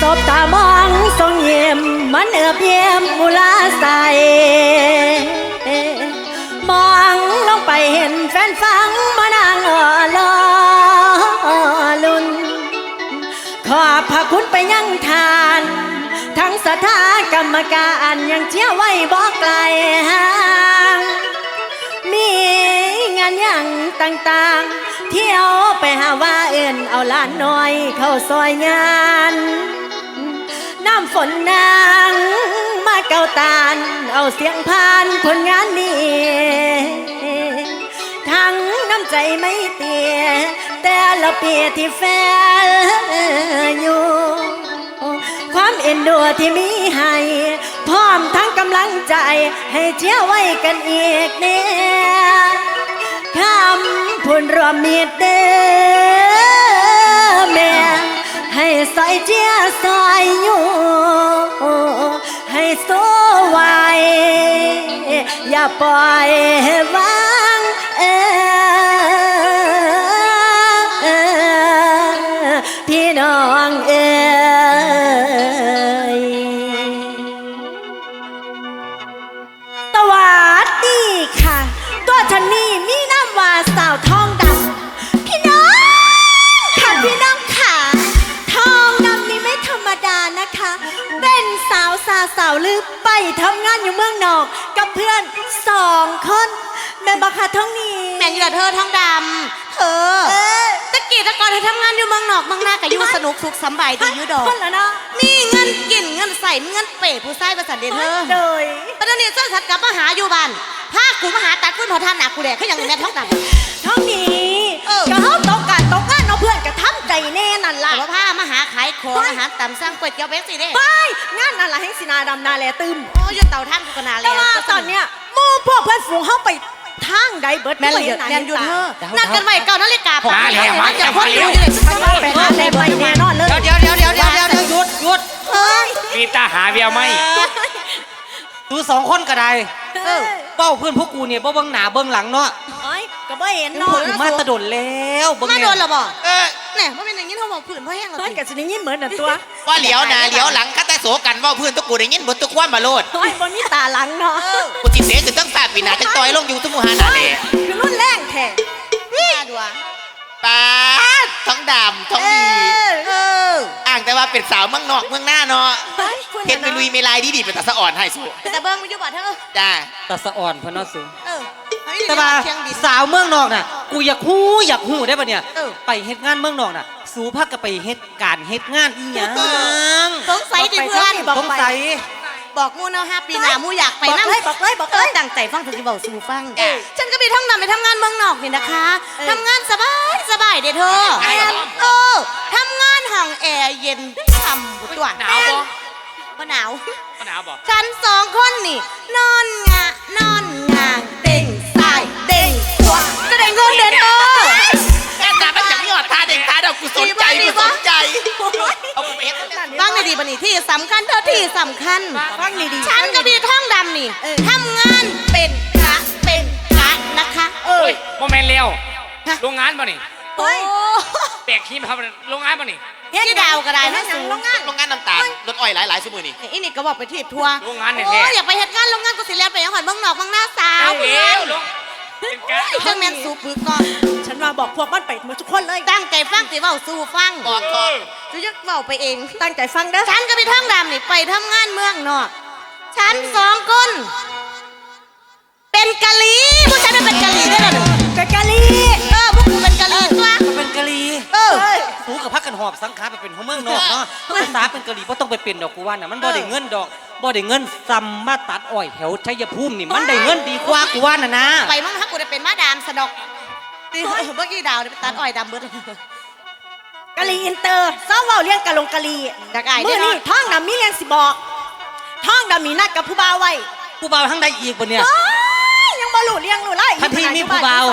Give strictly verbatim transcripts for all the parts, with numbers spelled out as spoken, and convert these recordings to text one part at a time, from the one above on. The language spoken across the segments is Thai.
บตามองทรงเยี่ยมมันเอือบเยี่ยมมุลาใสมองลงไปเห็นแฟนฟังมานางอ่อลอลุนขอบพระคุณไปยังทานทั้งสถากรรมการยังเชี่ยวไว้บอกไกลห่างมีงานอย่างต่างๆเที่ยวไปหาว่าเอื่นเอาล้านน้อยเข้าซอยงานน้ำฝนนางมาเก่าตาลเอาเสียงพานผลงานนี้ทั้งน้ำใจไม่เตียแต่ละเปียที่แฟนอยู่ความเอ็นดูที่มีให้พร้อมทั้งกำลังใจให้เชี่ยวไว้กันอีกเนี่ยคำพูนรวมมีดเด้อแม่ให้ใส่เจียซอยอยู่ให้โซไว้อย่าปล่อยวางเออพี่น้องเอ๋ยสวัสดีค่ะตัวฉันนี่มีน้ำว่าสาวทองดำพี่น้องค่ะพี่น้องค่ะทองดำนี่ไม่ธรรมดานะคะเป็นสาวสาสาวลือไปทำงานอยู่เมืองนอกกับเพื่อนสองคนแม่บักค่ะท้องนี้แม่อยู่กับเธอทองดำเธอตะกี้ตะกอนเธอทำงานอยู่เมืองนอกเมืองหน้ากับอยู่สนุกสุขสบายดีอยู่ดอกคนละเนาะมีเงินกินเงินใส่เงินเป๋ผู้ชายประสันเดเธอโดยตอนนี้เจ้าสัตว์กลับมาหาอยู่บ้านพากูมาหาตัดพื้นพอท่านหนักกูแดกขึ้นอย่างนี้แม่ท้องดำท้องนี้ก็เขาตกกันตกงานเอาเพื่อนกับทำใจแน่นั่นล่ะแต่ว่าพามาหาขายของอาหารตำสั่งก๋วยเตี๋ยวเบสสิเด้ไปงานนั่นล่ะให้สินาดำนาแลตึมโอ้ยเต่าท่านกูก็นาแล้วแต่ว่าตอนเนี้ยมู่พวกเพื่อนฝูงเขาไปทางใดเบิดแม่เลยแม่อยู่เธอนัดกันไว้เก่านาฬิกามาแล้วมาจะพ้นอยู่เลยไปหาอะไรไปแน่นอนเลยเดี๋ยวเดี๋ยวเดี๋ยวเดี๋ยวเดี๋ยวเดี๋ยวหยุดหยุดเฮ้ยมีตาหาเบียวไหมดูสองคนก็ได้เป้าเพื่อนพวกกูเนี่ยบ่เบิ้งหน้าเบิ้งหลังเนาะเอ้ยก็บ่เห็นเนาะกูมาตะดนแล้วเบิ้งมาโดนหรอบ่เออเนี่ยมันเป็นอย่างนี้เขาบอกผื่นเพราะแห้งเฮ้ยกับสิได้ยินเหมือนน่ะตัวว่าเหลียวหน้าเหลียวหลังคัตโสกันว่าเพื่อนทุกกูได้ยินบนทุกความบาโลดเฮ้ยบ่มีตาหลังเนาะกูติดเสียคือตั้งตาปีหน้าจะต่อยลงอยู่ทุกมูหานาเลยคือรุ่นแรงแท้นี่ดูอ่ะป้าท้องดำท้องดีอ่างแต่ว่าเป็นสาวเมืองนอกเมืองหน้าเนาะเห็นไปลุยเมลายดีดีเป็นตาสะอ่อนให้สู้แต่เบิ้งไม่อยู่บ่เธอจ้าตาสะอ่อนพนอสูแต่ว่าสาวเมืองนอกน่ะกูอยากหู้อยากหู้ได้ปะเนี่ยไปเฮ็ดงานเมืองนอกน่ะสู้พักก็ไปเฮ็ดการเฮ็ดงานอีหยังสงสัยดิเพื่อนสงสัยบอกมูเนาะฮะปีหน้ามูอยากไปนั่งบอกเลยบอกเลยตั้งใจฟังถึงที่บอกสู่ฟังฉันก็ไปท่องนำไปทำงานเมืองนอกนี่นะคะทำงานสบายสบายเด้เธอเออทำงานห้องแอร์เย็นฉ่ำบุตรหนาวบ่บ่หนาวบ่หนาวบ่ฉันสองคนนี่นอนงะนอนงางเด้งสายเด้งขวาจะได้เงินเดือนเออแค่แต่มันจะมีหอดตาเด็กตาดอกกูสนใจกูสนใจเอาไปเฮ็ดฟังดีๆบัดนี้ที่สำคัญเท่าที่สำคัญฟังดีๆฉันก็มีท่องดำนี่ทำงานเป็นกะเป็นกะนะคะเออโมเมนต์เร็วโรงงานป่ะนี่โอ้แบกขี้มาทำโรงงานป่ะนี่ที่ดาวก็ได้นะสูงโรงงานโรงงานน้ำตาลรถอ้อยหลายๆชั่วโมงนี่อีนี่ก็บอกไปทีบทัวร์โรงงานเนี่ยโอ้อยากไปเฮ็ดงานโรงงานกูสิเลียนไปยังหอนเมืองนอกเมืองหน้าสาวเร็วลงเป็นกะจังแมนสูบปึกก่อนฉันว่าบอกพวกมันไปหมดทุกคนเลยตั้งใจฟังสิเว้าสู่ฟังบอกก่อนจะยึกเว้าไปเองตั้งใจฟังเด้อฉันก็ไปท่องดำนี่ไปทำงานเมืองนอกฉันสองคนเป็นกะลีผู้ชายเป็นกะลีได้หรอเป็นกะลีเออพวกกูเป็นกะลีตัวเป็นกะลีเออสูกับพักกันหอบสังขารไปเป็นหัวเมืองนอกเนาะภาษาเป็นกะลีเพราะต้องไปเป็นดอกกูว่าน่ะมันบ่ได้เงินดอกบ่ได้เงินซ้ำมาตัดอ้อยแถวชัยภูมินี่มันได้เงินดีกว่ากูว่าน่ะนะไปมั่งถ้ากูได้เป็นมาดามสะดอกเมื่อกี้ดาวไปตัดอ้อยดำเบิดกะลีอินเตอร์เศร้าเว้าเลี้ยงกะลงกะลีเมื่อนี้ท้องดำมีเลี้ยงสิบอกท้องดำมีนัดกับผู้บ่าวไว้ผู้บ่าวทั้งใดอีกบ่เนี่ยยังบ่รู้เลี้ยงรู้ไล่ทันทีมีผู้บ่าว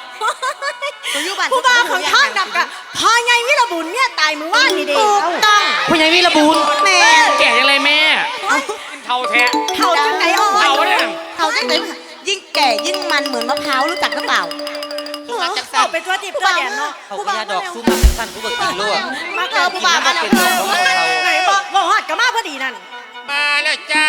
ผู้บ่าวของท้องดำกับพ่อใหญ่วิรบุญเนี่ยตายมือว่านนี่เด้ต้องพ่อใหญ่วิรบุญแม่แก่ยังไงแม่เท่าแท้เท่าจังไหนอ่ะเท่าเนี่ยเท่าจังไหนยิ่งแก่ยิ่งมันเหมือนมะพร้าวรู้จักหรือเปล่าเอาเป็นตัวติบตัวแดนเนาะผู้บ่าวดอกซุ้มมาสั้นผู้บ่าวตีโลมาเจอผู้บ่าวมาแล้วไหนบอกกับมาพอดีนั่นมาแล้วจ้า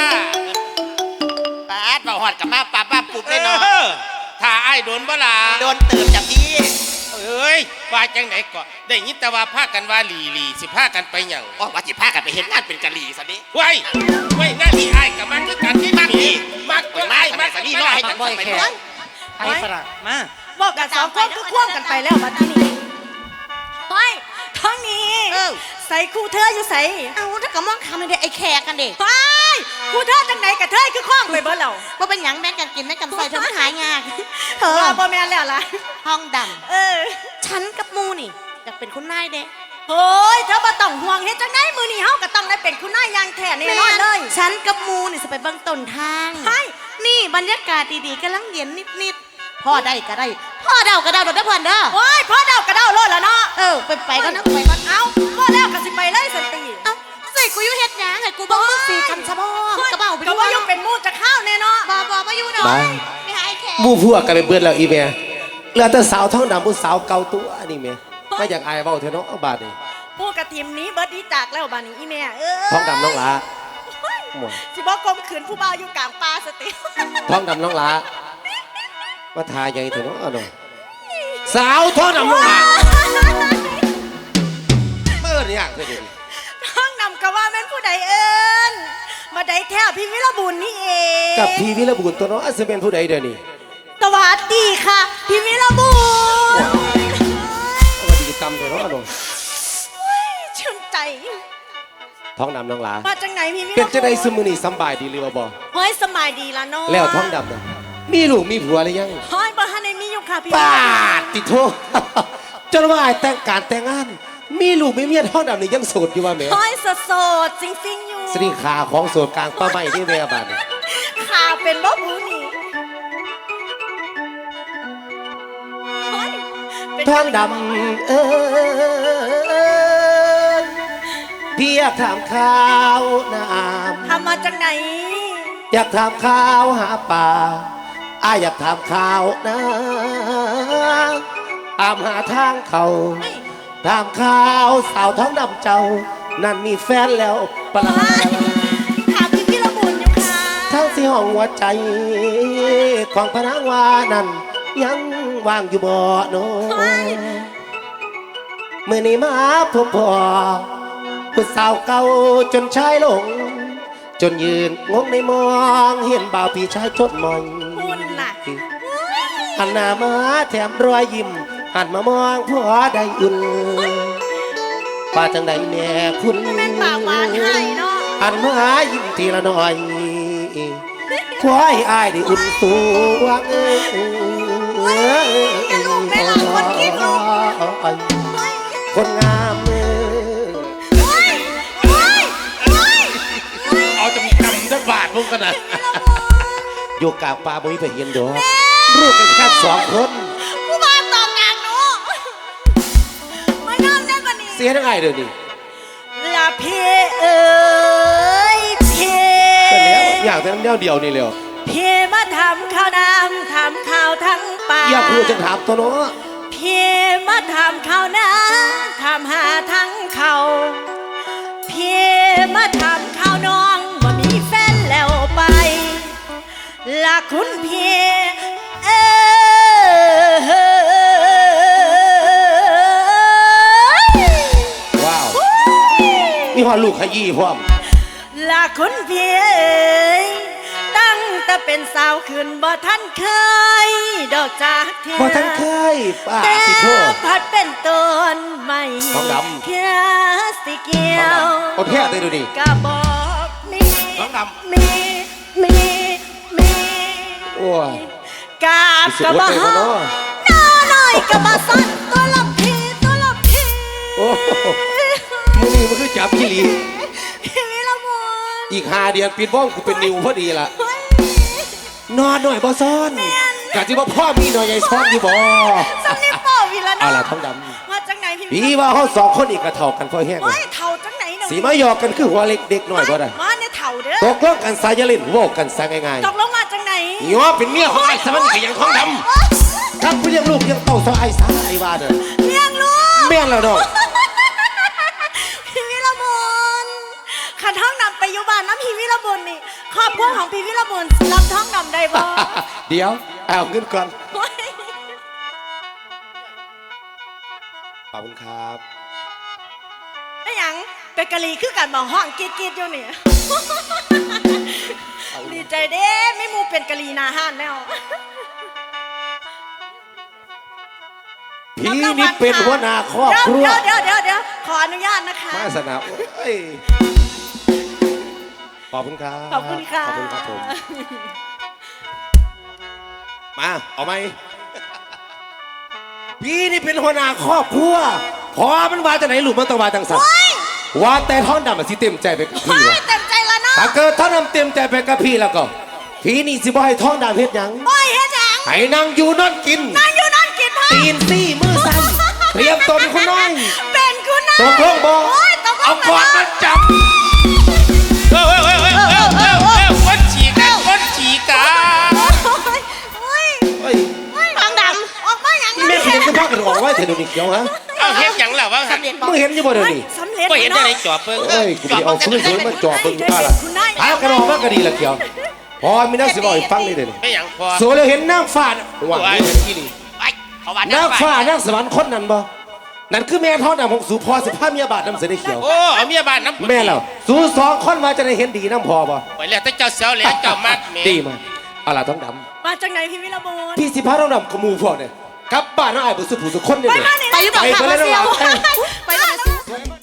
ปาดมาหอดกับมาป้าป้าปุบเลยเนาะออถ้าไอ้ายโดนบ่ล่ะโดนเติมจับดีเอ้ยว่าจังไหนก็ได้ยินแต่ว่าพากันว่าหลีหลีสิพากันไปหยังว่าว่าจิพากันไปเห็นงานเป็นกะหรี่สันนี้ไว้ไว้หน้าที่ไอ้ายกับมันคือกันที่มักนี่มักไปก็มาไอ้ายสมัมักยสันนี้รอให้กันบ่อยไปแค่เบิ่งไอ้ฝรั่งมาบอกกันสองคนคือควงกันไปแล้วมาที่นี่ไปท้องนี้เออใส่คู่เธออยู่ใส่เอาถ้ากะมองคำไม่ได้ไอ้แขกกันเด็กไปคู่เธอจังไหนกับเธอคือคล้องไปเบิดแล้วว่าเป็นหยังแม่งกันกินแม่งกันใส่เธอมันหายงากเธเอออบ่แม่นแล้วล่ะห้องดเออำฉันกับมูนี่อยากเป็นคุณนายเด้โอ้ยเธอบ่ต้องห่วงเฮ็ดจังไดมื้อนี้เฮาก็ต้องได้เป็นคุณนายอย่างแท้แน่นอนเลยฉันกับมูนี่จะไปเบิ่งต้นทางใช่นี่บรรยากาศดีๆกำลังเย็นนิดๆพ่อได้ก็ได้พ่อเดาก็เดาเดาได้พ่อเด้อโอ้ยพ่อเดากระเดาโลดแล้วเนาะเออไปไปก็นะไปก่อนเอ้าพ่อแล้วก็สิไปเลยสติเอ้าใส่กูอยู่เฮ็ดหยังให้กูเบิ่งมึงสีกันซะบ่กระเป๋าไปก็ดูว่ายังเป็นหมู่จะเข้าแน่เนาะบ่บ่มาอยู่หน่อยบ้าไปหาไอ้แขกหมู่พวกกันไปเบิดแล้วอีเมียเหลือแต่สาวท้องดำผู้สาวเก่าตัวนี่เมียไม่อยากอายเบาเถอะเนาะเอาบาดนี่ผู้กระทีมนี้เบิดดีจากแล้วบาดนี้อีแม่เออท้องดำน้องหลาหมดสิบ่กลมขืนผู้บ่าวอยู่กลางป่าสติท้องดำน้องหลามาทาใหญ่เถอะเนาะเอาหน่อยสาวท้องดำน้องหลาเมื่อนี่ยากเลยดิท้องนำก็ว่าแม่นผู้ใดเอิ้นมาได้แท้พี่วิรบุญนี่เองกับพี่วิรบุญตัวเนาะอาจจะเป็นผู้ใดเดี๋ยวนี้สวัสดีค่ะ พี่วิรบุญเอามาดีกรรมเถอะเนาะเอาหน่อยชื่นใจท้องดำน้องหลามาจากไหนพี่วิรเป็นบุญจะได้สมือนี่สำบายดีหรือว่าบ่เฮ้ยสมัยดีละเนาะแล้วท้องดำนะมีลูกมีผัวหรือยังเฮ้ยบ่ทันได้มีอยู่ค่ะพี่ปาดติดโทษ จนว่าไอ้แต่งการแต่งงาน มีลูกมีเมียท้องดำนี่ยังโสดอยู่ว่าแม่เฮ้ยโสดๆจริงๆอยู่สรีขาของโสดกลางป้าใหม่ที่แม่บ้านนี่ขาเป็นบ่บูนี่เฮ้ยเป็นท้องดำเอ้ยพี่อยากถามข่าวน้ทำมาจากไหนำอยากถามข่าวหาป่าอายอยากถามข่าวนะอามหาทางเขาถามข่าวสาวท้องดำเจ้า นั่นมีแฟนแล้วปะลาถามพี่วิรบุญอยู่ค่ะทั้งสี่ห้องหัวใจ ของพนังวานั่นยังว่างอยู่บ่โนเมื่อนี้มาพบพ่อผู้สาวเก่าจนชายหลง จนยืนงงในมองเห็นบ่าวพี่ชายจดมองคุณน่ะหันหน้ามาแถมรอยยิ้มหันมามองพ่อได้อุ่นป้าจังใดแม่คุณแม่นปากหวานให้เนาะหันมายิ้มทีละหน่อยขอให้อายได้อุ่นตัวเอ้ยอย่าลูกไม่หลังคนคิดลูกคนงามเอ้ยเฮ้ยเฮ้ยเฮ้ยเอาจำจำจักบาทพวกกันนะอยู่กลางป่าบ่มีไปเห็นดอกรูปกันแค่สองคนผู้บ้านตอกกลางหนูมานำได้ปะนี่เสียทั้งไงเดี๋ยวนี้ละเพเอ้ยเพก็แล้วอยากแต่น้ำเดียวเดียวนี่เลยเพมาทำข้าวน้ำทำข้าวทั้งป่าอยากพูดจะถามตัวเนาะเพมาทำข้าวน้ำทำหาทั้งเขาเพมาทำข้าวน้องว่ามีแฟนแล้วไปละคุณเพเอ้ยว้าว มีหอลูกขยี้พร้อมละคุณเพียยตั้งแต่เป็นสาวขึ้นบ่ท่านเคย ดอกจากเธอบ่ทันเคยป้าแต่สิโทษพัดเป็นต้นใหม่ทองดำเพียสิเกี่ยวเอาแท้เลยดูดิกะบอกมีน้องดมีมีมีโอ้ยกาบสิกะอดบ่ใจฮบ่อเนาะหน้าหน่อยกะบ่สั้นตัวละพีตัวละพีโอ้โหมือนี้มันคือจับพี่หลีพี่วิรบุญอีกห้าเดือนปิดบ้องกูเป็นนิวพอดีล่ะเฮ้ยนอนหน่อยบ่ซ้อนกะที่ว่าพ่อมีหน่อยใหญ่ซ้อนอยู่บ่สำนีป่อวิละเอาเนาะล่ะท้องดมาจากไหนพี่ำพี่ว่าเขาสองคนอีกกระเท่ากันพอแห้งเลเฮ้ยยเท่าจากไหนเนาะสีมาหยอกกันคือหัวเล็กเด็กหน่อยบ่ได้มาเนี่ยเท่าเด้ตอกลงกันสายเล่นโวกกันซะง่ายตกลงมาจากไหนๆย้อเป็นเมียของไอ้สมันก็ยังท้องดำถ้าผู้เลี้ยงลูกยังเต่าซอไอ้สาไอ้ว่าเด้อเลี้ยงลูกแม่นแล้วดอกพี่วิรบุญพี่วิรบุญนี่ครอบครัวของพี่วิรบุญรับท้องดำได้บ่เดี๋ยวเอาเงินก่อนขอบคุณครับไอ้หยังเป็นกะลีคือกันบอกห้องกรีดกรีดอยู่นี่ ดีใจเด้ไม่มูเป็นกะลีนาห้านแล้วพี่นี่เป็นหัวหน้าครอบครัวเดี๋ยวเดี๋ยวเดี๋ยวขออนุญาตนะคะมาสนามโอ้ยขอบคุณครับขอบคุณค่ะขอบคุณครับผม มาเอาไหม พี่นี่เป็นหัวหน้าครอบครัวพอมันว่าจะไหนหลุมมันต้องว่าจังสันว่าแต่ท้องดำมันสิเต็มใจไปกับพี่ไม่วะเต็มใจแล้วเนาะถ้าเกิดท้องดำเต็มใจไปกับพี่แล้วก็ พี่นี่สิบ่ให้ท้องดำเฮ็ดหยังโอ้ยเฮ็ดหยังให้นั่งอยู่นอนกินนั่งอยู่นั่นกินพ่อตีนซี่มือสั่นเตรียมตนคุณน้อยเป็นคุณน้อยตกลงบ่โอ้ยตกลเอางก่อนแล้มาว จับเออเออเออเออเออเออเออคนฉีกันคนฉีกันโอ้ยเฮ้ยโอ้ยท้องดำออกมาอย่างนี่แม่คุณจะพากันออกไว้เถอะเดี๋ยวนี้เขียวฮะเอาเฮ็ดหยังล่ะวะสำเร็จบอกมึงเห็นอยังบ่เดี๋ยวนี้สำเร็จก็เห็นได้ในจอบเบิ่งเอ้ยกูไปเอาฟื้นฟื้นมันจอบเบิ่งป้าล่ะพากันออกมาก็ดีละเขียวพอมีนักสิบอกให้ฟังนี่เดี๋ยวนี้ไม่หยังพอสวยแล้วเห็นนางฟ้าน่ะว่านี่เห็นที่นี่ไอ้เขาว่านางฟ้านางสวรรค์คนนั้นบ่นั่นคือแม่ท้องดำของสูพอสิพาเมียบาทน้ำเสด็จเขียวโอ้เอาเมียบ้านน้ำแม่เราสูสองคนมาจะได้เห็นดีน้ำพอบ่ไปแล้วแต่เจ้าเสียวแล้วเจ้ามักแม่ดีมากเอาล่ะท้องดมาจากไหนพี่วิรบุญำพี่สิพาท้องดำกับหมูพวกเนี่ยกลับบ้านน้าอายบุษผู้สุคนเนี่ยไปเลยมานี่ไปหรือเปล่าไปคะไปเลยมาเซียวนะไปเลย